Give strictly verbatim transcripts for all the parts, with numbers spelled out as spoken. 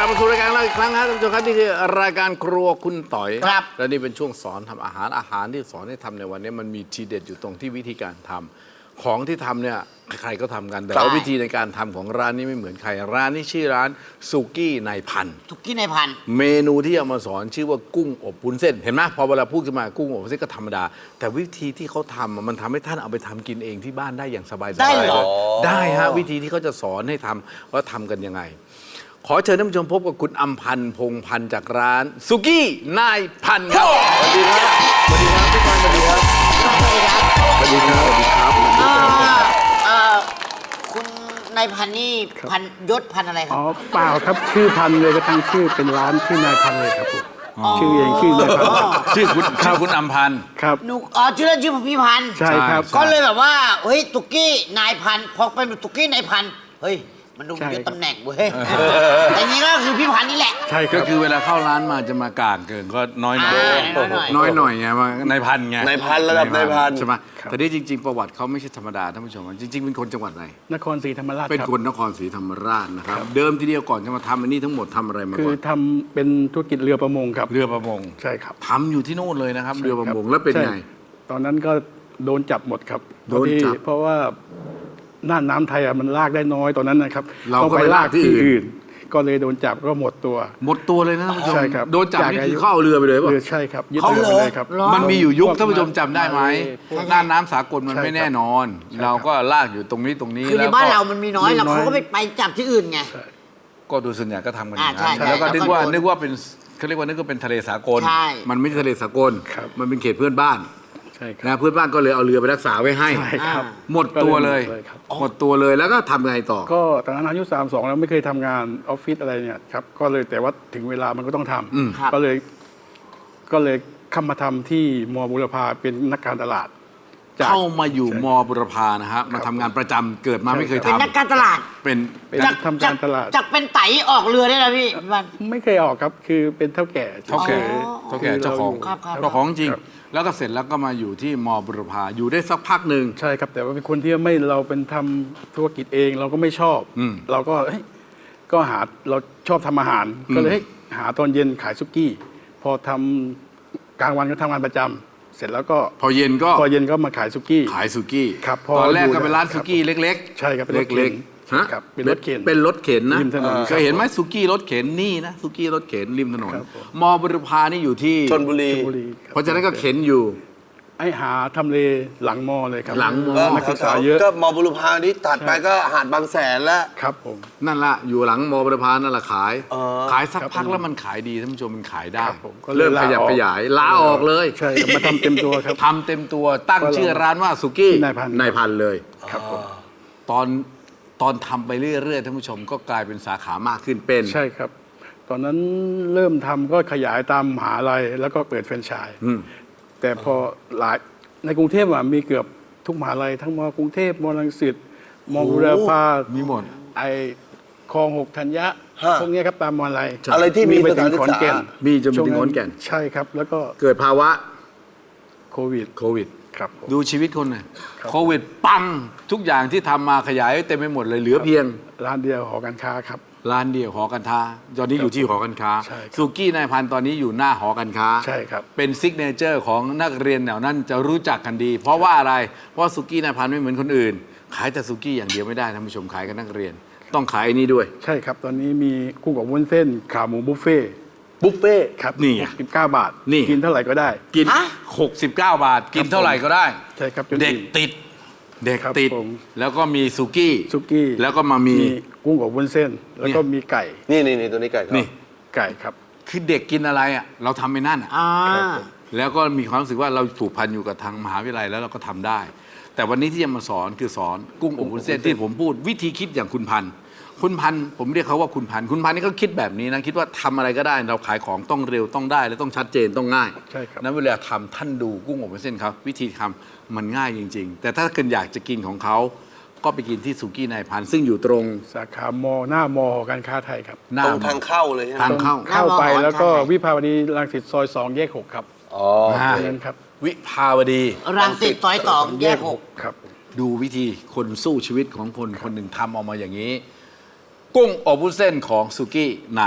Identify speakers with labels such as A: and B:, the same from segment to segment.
A: บมาสู่รายการเราอีกครั้งครับท่านผู้ชมครับนี่คือรายการครัวคุณต่อย
B: ครับ
A: และนี่เป็นช่วงสอนทำอาหารอาหารที่สอนให้ทำในวันนี้มันมีทีเด็ดอยู่ตรงที่วิธีการทำของที่ทำเนี่ยใครๆก็ทำกันแต่ว่าวิธีในการทำของร้านนี้ไม่เหมือนใครร้านนี้ชื่อร้านสุกี้นายพัน
B: สุกี้ในพัน
A: เมนูที่เอามาสอนชื่อว่ากุ้งอบวุ้นเส้นเห็นไหมพอเวลาพูดขึ้นมากุ้งอบวุ้นเส้นก็ธรรมดาแต่วิธีที่เขาทำมันทำให้ท่านเอาไปทำกินเองที่บ้านได้อย่างสบายๆ
B: ได้เหรอ
A: ได้ฮะวิธีที่เขาจะสอนให้ทำว่าทำกันยังไง ขอเชิญท่านผู้ชมพบกับคุณอำพันธ์พงษ์พันธ์จากร้านสุกี้นายพันธ์ครับสวัสดีครับสวัสดีครับพี่พันธ์สวัสดีครับ
B: สวัสดีครับ
A: สวัสดีครับสวัสดีครับ
B: อ่าเอ่อคุณนายพันนี่พันยศพันอะไรครั
C: อ๋
B: บ
C: อเปล่าครับชื่อพันธุ์เลยก็ตั้งชื่อเป็นร้านชื่อนายพันธุ์เลยครับผมชื่อเองชื่อนายพันธุ์
A: ชื่อคุณชื่อคุณอำพันธ์
C: ครับ
B: หนูอ๋อชื่อเล่นชื่อพี่พันธุ์
C: ใช่ครับ
B: ก็เลยแบบว่าเฮ้ยตุกี้นายพันธุ์พอเป็นตุกี้นายพันธุ์เฮ้ยมันดู
C: ใช่
B: ยศตำแหน่งเว้ยแต่จริงๆก็คือพี่พันธุ์นี่แหละ
C: ใช่ค
A: ก็
C: รับ
A: คือเวลาเข้าร้านมาจะมากลางเกินก็น้อยหน่อย
B: อ่าน้อยๆ
A: น้อยหน่อยไงว่านายพันไง
D: นายพันระดับนายพัน
A: ใช่ไหมแต่ที่จริง ๆ ประวัติเขาไม่ใช่ธรรมดาท่านผู้ชมจริง ๆ เป็นคนจังหวัดไหน
C: นครศรีธรรมราช
A: เป็น
C: ครับ
A: คนนครศรีธรรมราชนะครับเดิมทีเดียวก่อนจะมาทำอันนี้ทั้งหมดทำอะไรมา
C: คือ
A: ก่อน
C: ทำเป็นธุรกิจเรือประมงครับ
A: เรือประมง
C: ใช่ครับ
A: ทำอยู่ที่โน่นเลยนะครับ เรือประมงแล้วเป็นไง
C: ใช่ตอนนั้นก็โดนจับหมดครับ
A: โดนจับ
C: เพราะว่าหน้าน้ำไทยอะมันลากได้น้อยตอนนั้นนะครับ
A: เราก็
C: ต้องไป
A: ไปลา
C: ลาก ก
A: ที่
C: ที่
A: อื่น
C: อื่น ก็เลยโดนจับก็หมดตัว
A: หมดตัวเลยนะท่านผู้ชม
C: ใช่ครับ
A: โดนจับ
C: จาก
A: นี่
E: อา
A: คื
E: ยุ
A: อเข้าเรือไปเลยป่ะ
C: เรือใช่ครับยึด
B: เขา
C: เรือ
B: เหร
C: ไป
B: อ
C: เลยครับ
B: เหรอ
A: มันมีอยู่ยุค
C: พวก
A: ท่านผู้ชมจำได้ไหม
C: พวก
A: หน้าน้ำสากลมัน
C: ใช่
A: ไม่แน่นอน
C: ครับ
A: เราก็ลากอยู่ตรงนี้ตรงนี้
B: คือใน
A: แล้ว
B: บ้าน
A: ก็
B: เรามันมีน้อย
C: มีน้อย
B: แล้วเขาก็ไปไปจับที่อื่นไง
A: ก็ดูส่วนใหญ่ก็ทำกันอย่าง
B: อ่าใช่
A: นั้น
B: ใช่
A: แล้วก็นึกว่า
B: แล้วก็
A: นึกว่าเป็นเขาเรียกว่านึกว่าเป็นทะเลสากล
B: ใช่
A: มันไม่ใช่ทะเลสากล
C: ครับ
A: มันเป็นเขตเพื่อนบ้าน
C: ใช่ครับ
A: นะเพื่อนบ้านก็เลยเอาเรือไปรักษาไว้ให้
C: ใช่ครับ
A: หมดตัวเลย
C: ก็เลยหมดเลยครับ
A: หมดตัวเลยแล้วก็ทำไงต่อ
C: ก็ตอนนั้นอายุสามสองแล้วไม่เคยทำงานออฟฟิศอะไรเนี่ยครับก็เลยแต่ว่าถึงเวลามันก็ต้องท
A: อืม
B: ครับ
C: ำก็เลยก็เลยเข้ามาทำที่มอบุรพาเป็นนักการตลาดจาก
A: เข้ามาอยู่มบุรพานะฮะมาทำงานประจำเกิดมาไม่เคย
B: เป็น
A: ทำ
B: นักการตลาด
A: เป็น
C: เป็นทำการตลาด
B: จากเป็นไตออกเรือได้แล้วพี่พี่พัน
C: ไม่เคยออกครับคือเป็นเท่าแก่
A: เท่าแก่
C: ฉยๆ
A: เท่าแก่
C: คือ
A: เจ้าของ
B: ครับครับ
A: เจ้าของจริง
C: ครับ
A: แล้วก็เสร็จแล้วก็มาอยู่ที่มบุรพาอยู่ได้สักพักหนึ่ง
C: ใช่ครับแต่ว่าเป็นคนที่ไม่เราเป็นทำธุรกิจเองเราก็ไม่ชอบ
A: อืม
C: เราก็เฮ้ยก็หาเราชอบทำอาหาร
A: อืม
C: ก็เลยให้หาตอนเย็นขายซุกี้ พอทำกลางวันก็ทำงานประจำเสร็จแล้วก็
A: พอเย็นก็
C: พอเย็นก็มาขายซุกี้
A: ขายสุกี้
C: ครับพอ
A: ตอนแรก
C: อยู่
A: ก็เป็นร้าน
C: ครั
A: สุ
C: บ
A: กี้เล็ก
C: ใช่ครับเป็นรถเข็น
A: เล็กๆฮะ
C: ครับเป็นรถเข็น
A: เป็นรถเข็นนะ
C: ริมถนน
A: เคยเห็นไหมสุกี้รถเข็นนี่นะสุกี้รถเข็นริมถนน
C: ครับผม
A: มบุรพานี่อยู่ที่
D: ชนบุรี
C: ชลบุรีคบ
A: เพราะฉะนั้นก็เข็นอยู่
C: ไอ้หาทำเลหลังมอเลยครับ
A: หลังมอ
D: ก็
C: นักศึกษาเยอะ
D: ก็มอบุรพานี้ตัดไปก็หาดบางแสนแล้ว
C: ครับผม
A: นั่นละอยู่หลังมบุรพานั่นแหละขาย
D: อ๋อ
A: ขายสัก
C: ครับ
A: พักแล้วมันขายดีท่านผู้ชมมันขายได้
C: ครับผมก็เลย
A: เริ่มข
C: ลา
A: ยับ
C: ออก
A: ขยายลาออกเลย
C: ใช่ครับมาทำเต็มตัวครับ
A: ทำเต็มตัวตั้ง
C: ก็เรา
A: ชื่อร้านว่าสุกี้
C: นายพันธุ์
A: นายพันธุ์เลย
C: ครับผม
A: ตอนตอนทำไปเรื่อยๆท่านผู้ชมก็กลายเป็นสาขามากขึ้นเป็น
C: ใช่ครับ ตอนนั้นเริ่มทำก็ขยายตามมหาลัยแล้วก็เปิดแฟรนไชส์
A: อืม
C: แต่พอหลายในกรุงเทพอะมีเกือบทุกมหาลัยทั้งมกรุงเทพมรังสิตมบุรพา
A: มีหมด
C: ไอคลองหกธัญญะ
D: ฮะ
C: พวกเนี้ยครับตามมหาลัย
D: อะไรที่มี
C: ไป
D: ส
C: ถึ
D: ถาน
C: ง
D: ศึก
C: ขอน
D: ษา
C: แก่น
A: มีจนไปถึงขอนแก่น
C: ใช่ครับ แล้วก็
A: เกิดภาวะ
C: โควิด
A: โควิด
C: ครับผม
A: ดูชีวิตคนหน่อย
C: ครับ
A: โควิดปังทุกอย่างที่ทำมาขยายเต็มไปหมดเลยเหลือเพียง
C: ร้านเดียวหอการค้าครับ
A: ร้านเดียวหอการค้าตอนนี้อยู่ที่หอการค้า
C: ใช่ครับ
A: สุกี้นายพันธุ์ตอนนี้อยู่หน้าหอการค้า
C: ใช่ครับ
A: เป็นซิกเนเจอร์ของนักเรียนแถวนั้นจะรู้จักกันดี เพราะว่าอะไร เพราะสุกี้นายพันธุ์ไม่เหมือนคนอื่น ขายแต่สุกี้อย่างเดียวไม่ได้ท่านผู้ชมขายกับนักเรียน ต้องขายไอ้นี่ด้วย
C: ใช่ครับ ตอนนี้มีกุ้งกับวุ้นเส้นขาหมูบุฟเฟ่ต์
D: บุฟเฟ่ต์
C: ครับ
A: นี่ไง
C: สิบเก้าบาท
A: นี่
C: กินเท่าไหร่ก็ได้
A: กิน
B: ฮะ
A: หกสิบเก้าบาท กินเท่าไหร่ก็ได้
C: ใช่ครับจน
A: เด็ก
C: อิ่ม
A: ติด เด็ก
C: ครับ
A: ติด
C: ผม
A: แล้วก็มีสุกี้
C: ซุกี้
A: แล้วก็มามี
C: มีกุ้งกับวุ้นเส้น แล้วก็มีไก่
D: นี่นี่นี่ตัวนี้ไก่ทอด
A: นี่
C: ไก่ครับ
A: คือเด็กกินอะไรอ่ะเราทำไปนั่นอ่ะ
B: อ่า
C: ครับผม
A: แล้วก็มีความรู้สึกว่าเราผูกพันอยู่กับทางมหาวิทยาลัยแล้วเราก็ทำได้ แต่วันนี้ที่จะมาสอนคือสอนกุ้งอบวุ้นเส้นที่ผมพูดวิธีคิดอย่างคุณพันธุ์คุณพันธุ์ผมเรียกเขาว่าคุณพันธุ์คุณพันธุ์นี่เขาคิดแบบนี้นะคิดว่าทำอะไรก็ได้ เราขายของต้องเร็วต้องได้และต้องชัดเจนต้องง่าย
C: ใช่ครับ
A: นั้นเวลาทำท่านดูกุ้งอบวุ้นเส้นครับวิธีทำมันง่ายจริง ๆ แต่ถ้าเกิดอยากจะกินของเขาก็ไปกินที่สุกี้นายพันธุ์ซึ่งอยู่ตรง
C: สาขามอหน้ามอหอการค้าไทยครับ
A: หน้า
D: ตรงทางเข้าเลยใช่ไหม
A: ทางเข้า
C: เข้าไป
B: หน้ามอ
C: แล้วก็
B: หอการค้า
C: วิภาวดีรังสิตซอยสองแยกหกครับ
D: อ๋อ
A: อ่า
C: ตรงนั้นครับ
A: วิภาวดี
B: รังสิตซอยสองแยกหก
C: ครับ
A: ดูวิธีคนสู้ชีวิตของคนคนหนึ่งทำออกมาอย่างนี้ กุ้งอบวุ้นเส้นของสุกี้นาย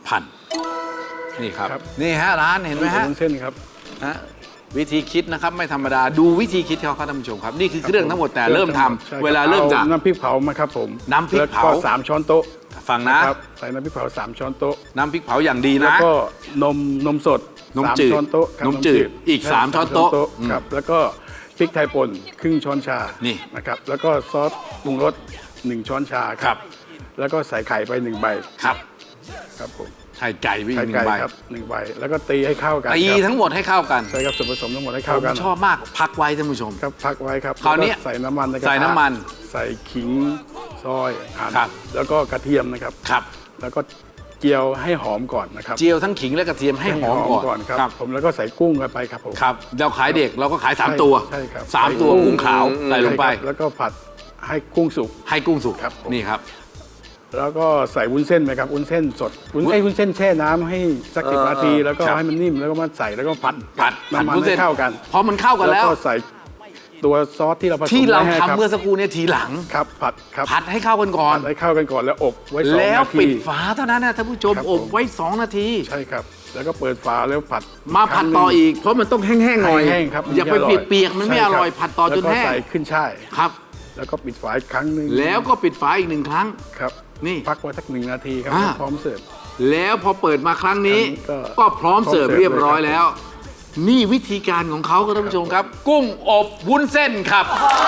A: พันนี่ครับ
C: ครับ
A: นี่ฮะร้านเห็นไหมฮะ
C: วุ้นเส้นครับ
A: ฮะวิธีคิดนะครับไม่ธรรมดาดูวิธีคิดเขาครับท่านผู้ชมครับนี่คือเครื่องทั้งหมดแต่เริ่มทำ
C: ใช่ครับ
A: เวลาเริ่มจาก
C: อน้ำพริกเผามาครับผม
A: น้ำพริกเผา
C: แล้วก็สามช้อนโต๊ะ
A: ฟังนะ
C: ครับใส่น้ำพริกเผาสามช้อนโต๊ะ
A: น้ำพริกเผาอย่างดี
C: แล้ว
A: นะ
C: ก็นมนมสด
A: นม
C: สาม
A: จืด
C: ช้อนโต๊ะครับ
A: นมจืดอีก
C: ใช่
A: สามช้อนโต๊ะอืม
C: ครับแล้วก็พริกไทยป่นครึ่งช้อนชา
A: นี่
C: นะครับแล้วก็ซอสปรุงรสหนึ่งช้อนชา
A: ครับ
C: แล้วก็ใส่ไข่ไปหนึ่งใบ
A: ครับ
C: ครับผม
A: ไข่ไก่ไปอี
C: ไข่
A: กหนึ่
C: ไก่
A: งใบ
C: ครับหนึ่งใบแล้วก็ตีให้เข้ากัน
A: ตี
C: ครับ
A: ทั้งหมดให้เข้ากัน
C: ใช่ครับส่วนผสมทั้งหมดให้
A: ผ
C: เข้าม กัน
A: ชอบมากพักไว้ท่านผู้ชม
C: ครับพักไว้ครับ
A: คราวนี้
C: แล้ก็ใส่น้ำมันในกระทะ
A: ใส่น้ำมัน
C: ใส่ขิงซอยหั่น
A: ครับ
C: แล้วก็กระเทียมนะครับ
A: ครับ
C: แล้วก็เจียวให้หอมก่อนนะครับ
A: เจียวทั้งขิงและกระเทียมให้หอมก่อน
C: ครับ
A: ครับ
C: ผมแล้วก็ใส่กุ้งเข้าไปครับผม
A: ครับเราขายเด็กเราก็ขายสาม
C: ใช่
A: ตัว
C: ใช่ครับ
A: สามตัว
C: ใส่กุ้ง
A: กุ้งขาวใส่ลงไป
C: ใช่ครับแล้วก็ผัดให้กุ้งสุก
A: ให้กุ้งสุก
C: ครับผม
A: นี่ครับ
C: แล้วก็ใส่วุ้นเส้นไหมครับวุ้นเส้นสดวุ้นไอ้ยวุ้นเส้นแช่น้ำให้สักสิบนาทีแล้วก็
A: ครับ
C: ให้มันนิ่มแล้วก็มาใส่แล้วก็ผัด
A: ผัดผัด
C: น้ำมัน
A: วุ้นเส้
C: ให้
A: น
C: เข้ากัน
A: พอมันเข้ากันแล้ว
C: ก็ใส่ตัวซอสที่เราผสม
A: ที่เรา
C: ไว้ให้
A: ทำ
C: คบ
A: เมื่อสักครู่เนี้ทีหลัง
C: ครับผัดครับ
A: ผัดให้เข้ากันก่อน
C: ผัดให้เข้ากันก่อนแล้วอบไว้สอง
A: แล้ว
C: นาที
A: ปิดฝาเท่านั้นนะท่านผู้ชม
C: ครับ
A: อบ
C: ผม
A: ไว้สองนาที
C: ใช่ครับ แล้วก็เปิดฝาแล้วผัด
A: มาผัดต่ออีก เพราะมันต้องแห้งๆหน่อย
C: แห้งๆครับ
A: อย่าไป
C: มันจะ
A: เปียกๆมันไม่อร่อย
C: ใช่คบ
A: ผัดต่อจนแห้ง
C: ล้วก็ใส่ขึ้นช่าย
A: ครับ
C: แล้วก็ปิดฝาอีกครั้งหนึ่ง
A: แล้วก็ปิดฝาอีกหนึ่งครั้ง
C: ครับ
A: นี่
C: พักไว้สักหนึ่งนาทีครับ
A: อ่า
C: พร้อมเสิร์ฟ
A: แล้วพอเปิดมาครั้งนี้
C: ครั้งนี้ก็
A: ก็พร้อมเสิร์ฟ
C: พร้อมเสิร์ฟ
A: เรียบร้อย
C: เลยครับ
A: แล้ว นี่วิธีการของเขาครับท่านผู้ชมครับ กุ้งอบวุ้นเส้นครับ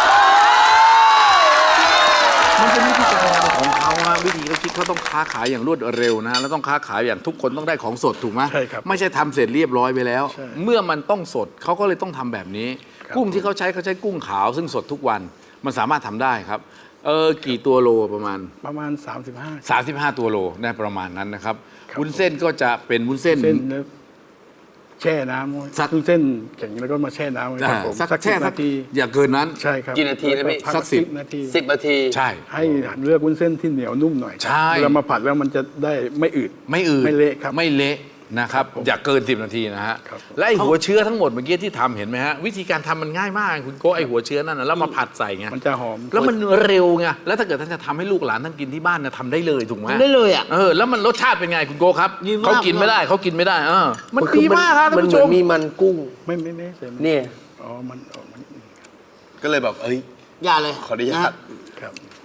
A: มันเป็นวิธีการทำของเขาฮะวิธีเขาคิดเขาต้องค้าขายอย่างรวดเร็วนะแล้วต้องค้าขายอย่างทุกคนต้องได้ของสดถูกไหม
C: ใช่ครับ
A: ไม่ใช่ทำเสร็จเรียบร้อยไปแล้ว
C: ใช่
A: เมื่อมันต้องสดเขาก็เลยต้องทำแบบนี้
C: ครับ
A: กุ้งที่เขาใช้เขาใช้กุ้งขาวซึ่งสดทุกวันมันสามารถทำได้ครับเออกี่ตัวโลประมาณ
C: ประมาณ สามสิบห้า
A: สามสิบห้า ตัวโลได้ประมาณนั้นนะครับ
C: ครับ
A: วุ้นเส้นก็จะเป็นวุ้นเส้น
C: เส้นแล้วแช่น้ำไว้
A: สัก
C: เส้นแข็งแล้วก็มาแช่น้ำไว้ครับผม
A: สัก
C: สัก
A: แช่
C: สิบ
A: สัก
C: นาที
A: อย่าเกินนั้น
C: ใช่ครับ
D: กี่นาทีนะพี่
C: แล้วพั
A: สักสิบ
C: นาที
D: สิบนาที
A: ใช่
C: ให้เลือกวุ้นเส้นที่เหนียวนุ่มหน่อยครับ
A: ใช่
C: เวลามาผัดแล้วมันจะได้ไม่อืด
A: ไม่อืด
C: ไม่เละครับ
A: ไม่เละนะครับ
C: ผม
A: อย่าเกินสิบนาทีนะฮะ
C: ครับ
A: และไอหัวเชื้อทั้งหมดเมื่อกี้ที่ทำเห็นไหมฮะวิธีการทำมันง่ายมากคุณโก้ไอหัวเชื้อนั่นนะแล้วมาผัดใส่ไง
C: มันจะหอม
A: แล้วมันเร็วไงแล้วถ้าเกิดท่านจะทำให้ลูกหลานท่านกินที่บ้านเนี่ยทำได้เลยถูกไหม
B: ทำได้เลยอ่ะ
A: เออแล้วมันรสชาติเป็นไงคุณโก้ครับ
B: ดีมาก
A: เขากินไม่ได้เขากินไม่ได้เออมัน
D: คือ
A: ดีมากครับท่าน
D: มัน
A: ผู้
D: เห
A: ช
D: มือน
A: ม
D: มีมันกุ้ง
C: ไม่ไม่ไม่ใส่มัน
D: เนี่ย
C: อ๋อมันออกมัน
D: ก็เลยแบบเอ้ย
B: อย่าเลย
D: ขออนุญาต
C: ครับ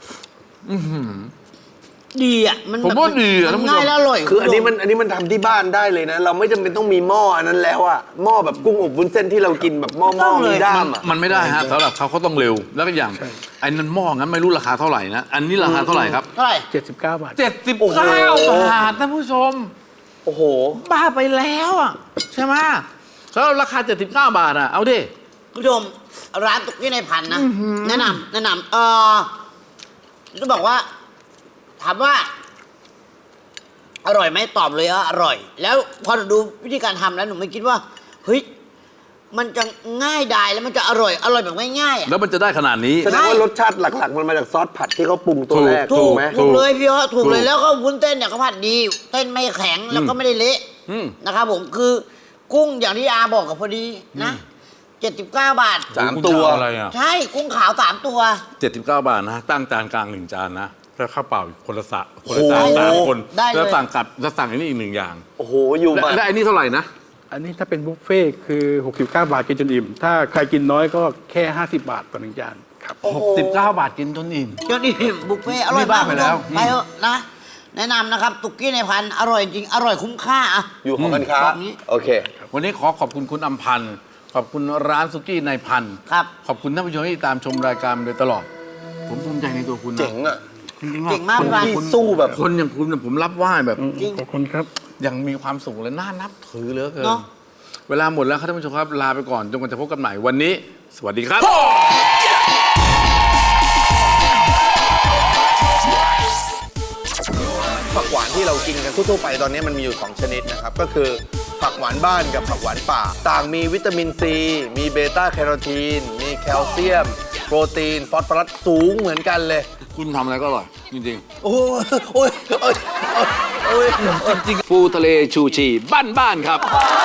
B: ดีอ่ะมัน
A: ผมว่าดีอะ
B: มั
A: ท่าน
B: น
A: ผู้ชม
B: ง่ายแล้วอร่อย
D: คืออันนี้มันอันนี้มันทำที่บ้านได้เลยนะ เราไม่จำเป็นต้องมีหม้ออันนั้นแล้วอะหม้อแบบกุ้งอบวุ้นเส้นที่เรากินแบบหม้อหม้อมีด้ามอะ
A: มันไม่ได้ฮะสำหรับเขาเขาต้องเร็วแล้วก็อย่างไอ้นั้นหม้องั้นไม่รู้ราคาเท่าไหร่นะอันนี้ราคาเท่าไหร่ครับ
B: เท่าไหร่
C: เจ็ดสิบเก้าบาท
A: เจ็ดสิบเก้าบาทท่านผู้ชม
D: โอ้โห
A: บ้าไปแล้วอ่ะใช่ไหมสำหรับราคาเจ็ดสิบเก้าบาทอ่ะเอาดิ
B: คุณผู้ชมร้านตุกกี้ในพันนะแนะนำแนะนำเออจะบอกว่า ถามว่า อร่อยไหมตอบเลยว่าอร่อย แล้วพอหนูดูวิธีการทำแล้วหนูไม่คิดว่าเฮ้ยมันจะง่ายดายแล้วมันจะอร่อยอร่อยแบบง่ายๆอ่ะ
A: แล้วมันจะได้ขนาดนี้
D: แสดงว่ารสชาติหลักๆ มันมาจากซอสผัดที่เขาปรุงตัวแรก
B: ถู
D: ถู
B: ก
D: กไหม
B: ถูกเลยพี่ว่าถูกเลย
A: ถูก
B: แล้วก็วุ้นเส้นเนี่ยเขาผัดดีเส้นไม่แข็งแล้วก็ไม่ได้เละ
A: อืม
B: นะครับผมคือกุ้งอย่างที่อาบอกกับพอดีนะเจ็ดสิบเก้าบาท
D: สามตัว
A: คุณจะเออะไรอ่ะ
B: ใช่กุ้งขาวสามตัว
A: เจ็ดสิบเก้าบาทนะตั้งจานกลางหนึ่งจานนะแล้วข้าวเปล่าอีกคนละสะคนละจาน
D: โอ้โห
A: สามคน
B: ได้เลย
A: แล้วสั่งกลับแล้วสั่งอันนี้อีกหนึ่งอย่าง
D: โอ้โห อยู่
A: และ
D: มา
A: และอันนี้เท่าไหร่นะ
C: อันนี้ถ้าเป็นบุฟเฟ่ต์คือหกสิบเก้าบาทกินจนอิ่ม ถ้าใครกินน้อยก็แค่ห้าสิบบาทต่อหนึ่งจานครับ
A: หกสิบเก้าบาทกินจนอิ่ม
B: จนนี่บุฟเฟ่ต์อร่อย
A: นี่บ้าม
B: าก
A: ไปแล้ว
B: คุณผู้ชมไปเถอะนะ แนะนำนะครับตุกกี้ในพันอร่อยจริงอร่อยคุ้มค่าอ่ะ
D: อยู่ของกันค้า
B: แบบนี้
D: โอเค
A: วันนี้ขอขอบคุณคุณอำพันธ์ขอบคุณร้านสุกี้ในพันธ์
B: ครับ
A: ขอบคุณท่านผู้ชมที่ตามชมรายการมาโดยตลอด ผมภูมิใจในตัวคุณนะ
D: เจ๋งอะ
A: จริง
B: เก่งมาก
A: คน
B: พี่บาน
A: คน
D: สู้แบบ
A: คนอย่างคุณเนี่ยผมรับไหว้แบบ
B: จริง
C: ขอบคุณครับ
A: ยังมีความสุขและน่านับถือเหลือเกิน
B: เนอะ
A: เวลาหมดแล้วครับท่านผู้ชมครับลาไปก่อนจนกว่าจะพบกันใหม่วันนี้ สวัสดีครับ
D: ผักหวานที่เรากินกันทั่วๆไปตอนนี้มันมีอยู่สองชนิดนะครับ ก็คือผักหวานบ้านกับผักหวานป่า ต่างมีวิตามินซี มีเบต้าแคโรทีน มีแคลเซียม โปรตีน ฟอสฟอรัสสูงเหมือนกันเลย
A: คุณทำอะไรก็อร่อย จริง
D: โอ้ยโอ้ยโอ้ยโอ้ย
A: ๆจริงๆฟูทะเลชูชีบ้านบ้านๆครับ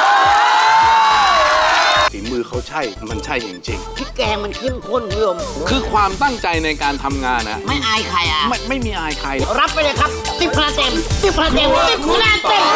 A: ฝีมือเขาใช่ มันใช่จริง
B: พริกแกงมันเข้มข้นคุณผู้ชม
A: ๆ คือความตั้งใจในการทำงานนะ
B: ไม่อายใครอ่ะ
A: ไม่ไม่มีอายใคร
B: รับไปเลยครับสิบคะแนนเต็มสิบคะแนนเต็มสิบคะแนนเต็ม